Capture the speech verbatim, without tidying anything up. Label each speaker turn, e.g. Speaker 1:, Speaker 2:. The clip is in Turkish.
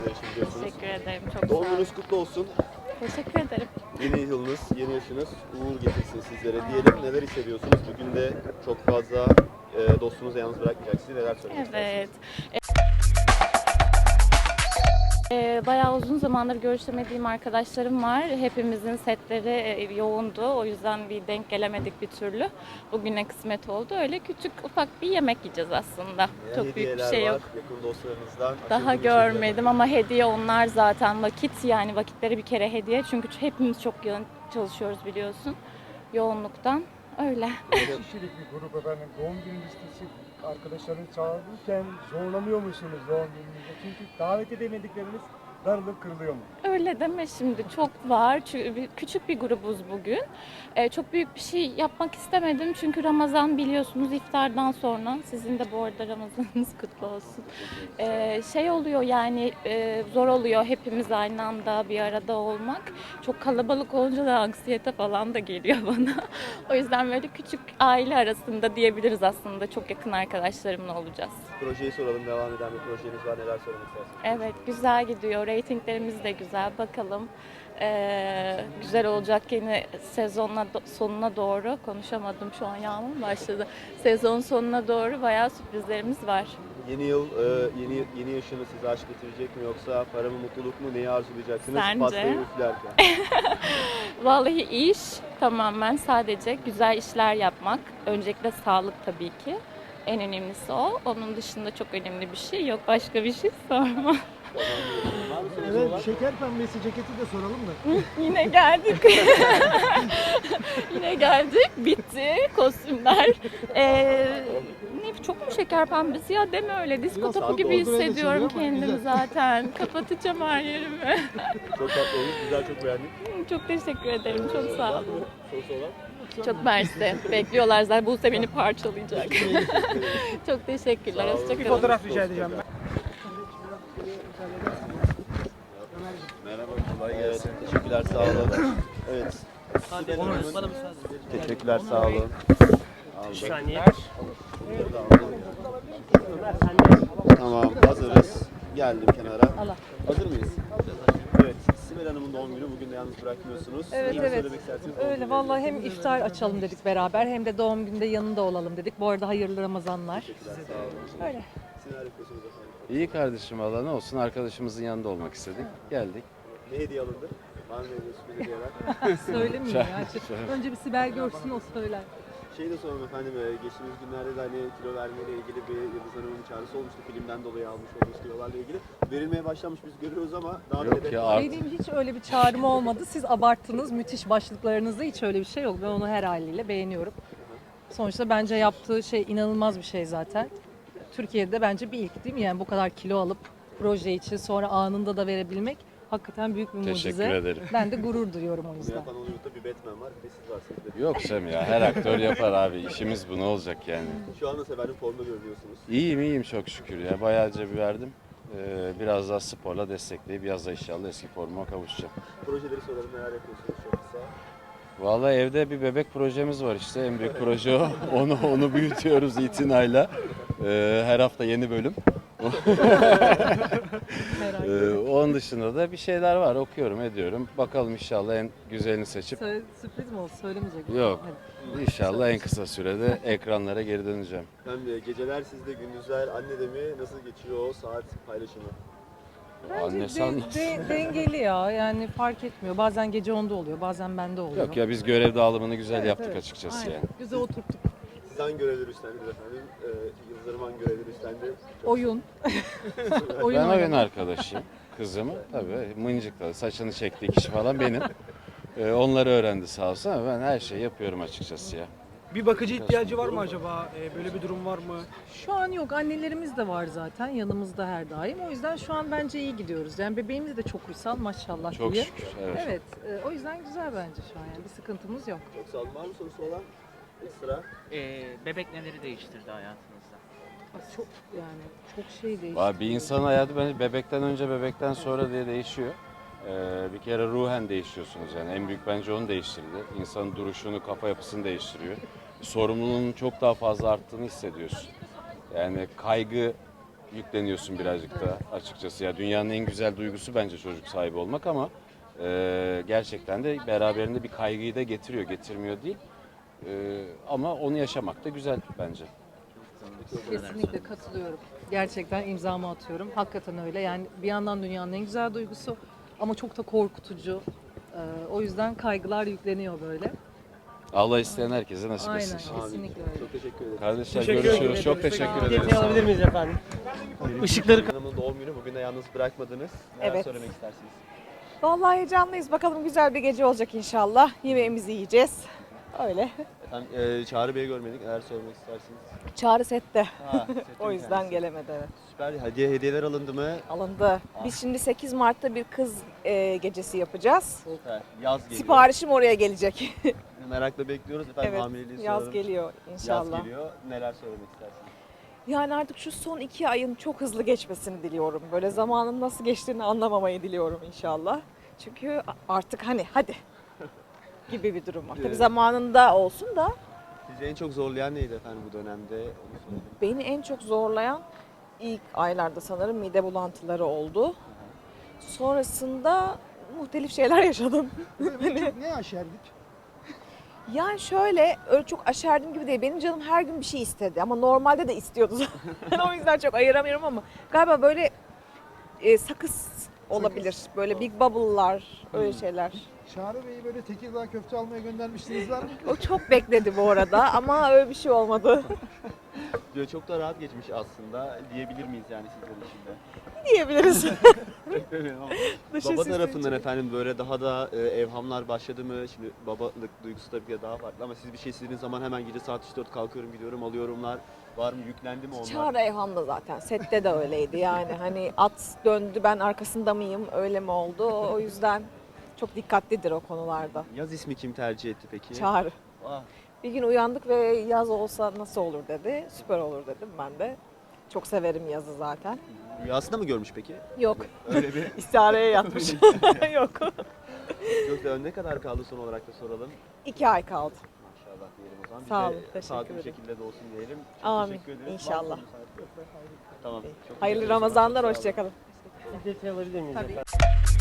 Speaker 1: Teşekkür ederim. Çok sağ
Speaker 2: Doğum
Speaker 1: olun.
Speaker 2: gününüz kutlu olsun.
Speaker 1: Teşekkür ederim.
Speaker 2: Yeni yılınız, yeni yaşınız uğur getirsin sizlere diyelim. Neler hissediyorsunuz? Bugün de çok fazla e, dostunuzu yalnız bırakmayacak sizi. Neler söylemek
Speaker 1: Evet.
Speaker 2: istersiniz?
Speaker 1: Ee, bayağı uzun zamandır görüşemediğim arkadaşlarım var. Hepimizin setleri e, yoğundu. O yüzden bir denk gelemedik bir türlü. Bugüne kısmet oldu. Öyle küçük ufak bir yemek yiyeceğiz aslında.
Speaker 2: Neler
Speaker 1: Çok büyük bir
Speaker 2: hediyeler
Speaker 1: şey
Speaker 2: var,
Speaker 1: yok.
Speaker 2: yakın dostlarınızdan.
Speaker 1: Daha
Speaker 2: aşırı bir şey
Speaker 1: görmedim ama hediye onlar zaten. Vakit, yani vakitleri bir kere hediye. Çünkü hepimiz çok yoğun çalışıyoruz biliyorsun. Yoğunluktan. Öyle.
Speaker 3: Kaç kişilik bir grup efendim? Doğum günü listesi arkadaşlarınızı çağırırken zorlanıyor musunuz doğum gününüzde? Çünkü davet edemedikleriniz darılıp kırılıyor mu?
Speaker 1: Öyle deme şimdi, çok var. Çünkü bir- küçük bir grubuz bugün. Ee, çok büyük bir şey yapmak istemedim çünkü Ramazan biliyorsunuz iftardan sonra. Sizin de bu arada Ramazanınız kutlu olsun. Ee, şey oluyor yani e, zor oluyor hepimiz aynı anda bir arada olmak. Çok kalabalık olunca da anksiyete falan da geliyor bana. O yüzden böyle küçük aile arasında diyebiliriz aslında. Çok yakın arkadaşlarımla olacağız.
Speaker 2: Projeyi soralım. Devam eden bir projeniz var. Neler söylemek istersiniz?
Speaker 1: Evet, güzel gidiyor. Ratinglerimiz de güzel. Bakalım ee, güzel olacak yine sezonla sonuna doğru. Konuşamadım şu an, yağmur başladı. Sezon sonuna doğru bayağı sürprizlerimiz var.
Speaker 2: Yeni yıl, e, yeni yeni yaşını size aşk getirecek mi yoksa para mı, mutluluk mu, neyi arzulayacaksınız?
Speaker 1: Sence?
Speaker 2: Pastayı üflerken.
Speaker 1: Vallahi iş tamamen sadece güzel işler yapmak. Öncelikle sağlık tabii ki. En önemlisi o. Onun dışında çok önemli bir şey yok. Başka bir şey sorma.
Speaker 2: Var mı sorusu
Speaker 3: Evet,
Speaker 2: olan?
Speaker 3: şeker pembesi ceketi de soralım da.
Speaker 1: Yine geldik. Yine geldik. Bitti kostümler. Ee, ne çok mu şeker pembesi ya, deme öyle. Disko
Speaker 3: Biraz
Speaker 1: topu
Speaker 2: tatlı
Speaker 1: gibi
Speaker 3: oldu, öyle
Speaker 1: hissediyorum
Speaker 3: söylüyor ama
Speaker 1: kendimi
Speaker 3: güzel.
Speaker 1: zaten. Kapatacağım her yerimi.
Speaker 2: Çok tatlı olmuş. Güzel, çok beğendik.
Speaker 1: Çok teşekkür ederim. Çok sağ
Speaker 2: Var
Speaker 1: ol.
Speaker 2: mı sorusu olan?
Speaker 1: Çok mersi. Bekliyorlar zaten. Buse beni parçalayacak. Çok teşekkürler.
Speaker 2: Sağ olun.
Speaker 1: Hoşçakalın.
Speaker 2: Bir fotoğraf rica edeceğim ben. Merhaba, kolay gelsin. Evet, teşekkürler, sağ olun. Evet. Sibel Hanım'ın-
Speaker 4: Bana müsaade.
Speaker 2: Teşekkürler, sağ olun.
Speaker 4: Bir saniye.
Speaker 2: Tamam, hazırız. Geldim kenara. Hazır mıyız? Evet, Sibel Hanım'ın doğum günü. Bugün de yalnız bırakmıyorsunuz.
Speaker 5: Evet,
Speaker 2: Neler
Speaker 5: evet.
Speaker 2: söylemek istersiniz? Doğum
Speaker 5: Öyle
Speaker 2: günü
Speaker 5: vallahi
Speaker 2: hediyesi.
Speaker 5: hem iftar açalım dedik beraber hem de doğum günde yanında olalım dedik. Bu arada hayırlı Ramazanlar.
Speaker 2: Teşekkürler, sağ olun.
Speaker 5: Öyle.
Speaker 2: Siz neler yapıyorsunuz efendim?
Speaker 6: İyi kardeşim valla ne olsun, arkadaşımızın yanında olmak istedik. Geldik.
Speaker 2: Ne hediye alındı? Var mı evde sürpriz hediyeler?
Speaker 5: Söylemeyeyim ya. Önce bir Sibel görsün, o söyler.
Speaker 2: Şey de soralım efendim, e, geçtiğimiz günlerde de hani kilo vermeyle ilgili bir Yıldız Hanım'ın çağrısı olmuştu. Filmden dolayı almış olduğunuz kilolarla ilgili. Verilmeye başlamış, biz görüyoruz ama daha
Speaker 6: Yok
Speaker 2: da hedef
Speaker 6: ya,
Speaker 2: var.
Speaker 6: artık-
Speaker 5: Benim hiç öyle bir çağrım olmadı. Siz abarttınız. Müthiş başlıklarınızda hiç öyle bir şey yok. Ben onu her haliyle beğeniyorum. Sonuçta bence yaptığı şey inanılmaz bir şey zaten. Türkiye'de bence bir ilk değil mi? Yani bu kadar kilo alıp proje için sonra anında da verebilmek hakikaten büyük bir mucize.
Speaker 6: Teşekkür ederim.
Speaker 5: Ben de gurur duyuyorum o
Speaker 2: Bunu
Speaker 5: yüzden.
Speaker 2: yapan Hollywood'da bir Batman var, bir de siz varsınız. Bir de-
Speaker 6: Yok Sem ya, her aktör yapar abi. İşimiz bu, ne olacak yani.
Speaker 2: Şu anda efendim formda görünüyorsunuz.
Speaker 6: İyiyim iyiyim çok şükür ya. Bayağı cebi verdim. Ee, biraz daha sporla destekleyip yaz da inşallah eski formuma kavuşacağım.
Speaker 2: Projeleri soralım, neler yapıyorsunuz çok kısa.
Speaker 6: Vallahi evde bir bebek projemiz var işte. En büyük proje o. Onu onu büyütüyoruz itinayla. Ee, her hafta yeni bölüm. Ee, onun dışında da bir şeyler var. Okuyorum, ediyorum. Bakalım inşallah en güzelini seçip
Speaker 5: Söyle, sürpriz mi oldu? Söylemeyecek misin?
Speaker 6: Yok.
Speaker 5: Hadi.
Speaker 6: İnşallah en kısa sürede ekranlara geri döneceğim.
Speaker 2: Hem de geceler sizde, gündüzler annede mi? Nasıl geçiyor o saat paylaşımı?
Speaker 5: Bence
Speaker 6: Annesi
Speaker 5: de-
Speaker 6: anlatsın.
Speaker 5: de- dengeli ya, yani fark etmiyor. Bazen gece onda oluyor, bazen bende oluyor.
Speaker 6: Yok ya, biz görev dağılımını güzel
Speaker 5: Evet,
Speaker 6: yaptık
Speaker 5: evet.
Speaker 6: açıkçası
Speaker 5: Aynen.
Speaker 6: yani.
Speaker 5: Güzel oturttuk.
Speaker 2: Siz hangi görevleri üstlendiniz efendim? Ee, Yıldız Hanım hangi görevleri üstlendi? Çok
Speaker 5: Oyun. oyun
Speaker 6: Ben oyun
Speaker 5: oynamak.
Speaker 6: arkadaşıyım. Kızımı tabii mıncıkladı. Saçını çektiği kişi falan benim. Ee, onları öğrendi sağ olsun ama ben her şeyi yapıyorum açıkçası ya.
Speaker 4: Bir bakıcı ihtiyacı var mı acaba? Ee, böyle bir durum var mı?
Speaker 5: Şu an yok. Annelerimiz de var zaten yanımızda her daim. O yüzden şu an bence iyi gidiyoruz. Yani bebeğimiz de çok uysal maşallah
Speaker 6: Çok
Speaker 5: diye.
Speaker 6: şükür. Evet.
Speaker 5: Evet. e, o yüzden güzel bence şu an yani. Bir sıkıntımız yok.
Speaker 2: Çok sağ olun. Var mı sorusu olan? Ekstra.
Speaker 7: Ee, bebek neleri değiştirdi hayatınızda?
Speaker 5: Çok yani çok şey değişti.
Speaker 6: Vay, bir insanın hayatı bence bebekten önce bebekten sonra diye değişiyor. Ee, bir kere ruhen değişiyorsunuz yani. En büyük bence onu değiştirdi. İnsanın duruşunu, kafa yapısını değiştiriyor. Sorumluluğun çok daha fazla arttığını hissediyorsun. Yani kaygı yükleniyorsun birazcık da açıkçası. Ya dünyanın en güzel duygusu bence çocuk sahibi olmak ama e, gerçekten de beraberinde bir kaygıyı da getiriyor, getirmiyor değil. E, ama onu yaşamak da güzel bence.
Speaker 5: Kesinlikle katılıyorum. Gerçekten imzamı atıyorum. Hakikaten öyle. Yani bir yandan dünyanın en güzel duygusu ama çok da korkutucu. Ee, o yüzden kaygılar yükleniyor böyle.
Speaker 6: Allah isteyen herkese nasip
Speaker 5: Aynen,
Speaker 6: etsin.
Speaker 5: kesinlikle öyle.
Speaker 2: Çok teşekkür ederim.
Speaker 6: Kardeşler
Speaker 4: Teşekkür
Speaker 6: görüşürüz.
Speaker 4: ederim.
Speaker 6: Çok teşekkür ederiz.
Speaker 4: Detay alabilir miyiz efendim? Işıkları
Speaker 2: Hanım'ın doğum günü, bugün de yalnız bırakmadınız. Neler
Speaker 8: Evet.
Speaker 2: söylemek istersiniz?
Speaker 8: Vallahi heyecanlıyız. Bakalım güzel bir gece olacak inşallah. Yemeğimizi yiyeceğiz. Öyle.
Speaker 2: Efendim e, Çağrı Bey'i görmedik. Neler söylemek istersiniz?
Speaker 8: Çağrı sette.
Speaker 2: Ha,
Speaker 8: O yüzden gelemedi. Evet.
Speaker 2: Süper. Hediye hediyeler alındı mı?
Speaker 8: Alındı. Biz şimdi sekiz Mart'ta bir kız e, gecesi yapacağız.
Speaker 2: Süper. Yaz geliyor.
Speaker 8: Siparişim oraya gelecek.
Speaker 2: Merakla bekliyoruz. Efendim
Speaker 8: Evet.
Speaker 2: hamileliği
Speaker 8: Yaz
Speaker 2: soralım.
Speaker 8: geliyor inşallah.
Speaker 2: Yaz geliyor. Neler söylemek istersiniz?
Speaker 8: Yani artık şu son iki ayın çok hızlı geçmesini diliyorum. Böyle zamanın nasıl geçtiğini anlamamayı diliyorum inşallah. Çünkü artık hani hadi gibi bir durum var. Tabii
Speaker 2: Evet.
Speaker 8: zamanında olsun da
Speaker 2: Sizi en çok zorlayan neydi efendim bu dönemde? Onu soralım.
Speaker 8: beni en çok zorlayan ilk aylarda sanırım mide bulantıları oldu. Sonrasında muhtelif şeyler yaşadım.
Speaker 3: Ne aşerdik?
Speaker 8: Yani şöyle öyle çok aşerdim gibi değil. Benim canım her gün bir şey istedi ama normalde de istiyordu zaten. O yüzden çok ayıramıyorum ama galiba böyle e, sakız olabilir. Böyle big bubble'lar öyle şeyler.
Speaker 3: Çağrı Bey'i böyle Tekirdağ köfte almaya göndermiştiniz var mı?
Speaker 8: O çok bekledi bu arada ama öyle bir şey olmadı
Speaker 2: Diyor, çok da rahat geçmiş aslında diyebilir miyiz yani sizler için de?
Speaker 8: diyebiliriz. Dışı
Speaker 2: Baba
Speaker 8: süslü
Speaker 2: tarafından
Speaker 8: için.
Speaker 2: efendim böyle daha da e, evhamlar başladı mı? Şimdi babalık duygusu tabii ki de daha farklı ama siz bir şey istediğiniz zaman hemen gece saat üç dört kalkıyorum gidiyorum alıyorumlar. Var mı, yüklendi mi onlar?
Speaker 8: Çağrı Eyhan da zaten sette de öyleydi yani hani at döndü ben arkasında mıyım öyle mi oldu o yüzden çok dikkatlidir o konularda.
Speaker 2: Yaz ismi kim tercih etti peki?
Speaker 8: Çağrı.
Speaker 2: Ah,
Speaker 8: Bir gün uyandık ve yaz olsa nasıl olur dedi. Süper olur dedim ben de. Çok severim yazı zaten.
Speaker 2: rüyasında mı görmüş peki?
Speaker 8: Yok.
Speaker 2: Öyle bir.
Speaker 8: İstihareye yatmış. Yok.
Speaker 2: Çok da ne kadar kaldı son olarak da soralım.
Speaker 8: İki ay kaldı.
Speaker 2: Maşallah diyelim o zaman. Biz
Speaker 8: Sağ
Speaker 2: de
Speaker 8: olun, teşekkür
Speaker 2: sağlıklı bir
Speaker 8: ederim.
Speaker 2: şekilde de olsun diyelim. Çok
Speaker 8: Amin,
Speaker 2: teşekkür ederiz.
Speaker 8: inşallah.
Speaker 2: Var mı müsaade? Tamam. Çok teşekkür
Speaker 8: Hayırlı
Speaker 2: ederiz. Çok
Speaker 8: Ramazanlar,
Speaker 2: sağ olun.
Speaker 8: hoşçakalın.
Speaker 4: detay alabilir miyiz
Speaker 5: Tabii.
Speaker 4: efendim?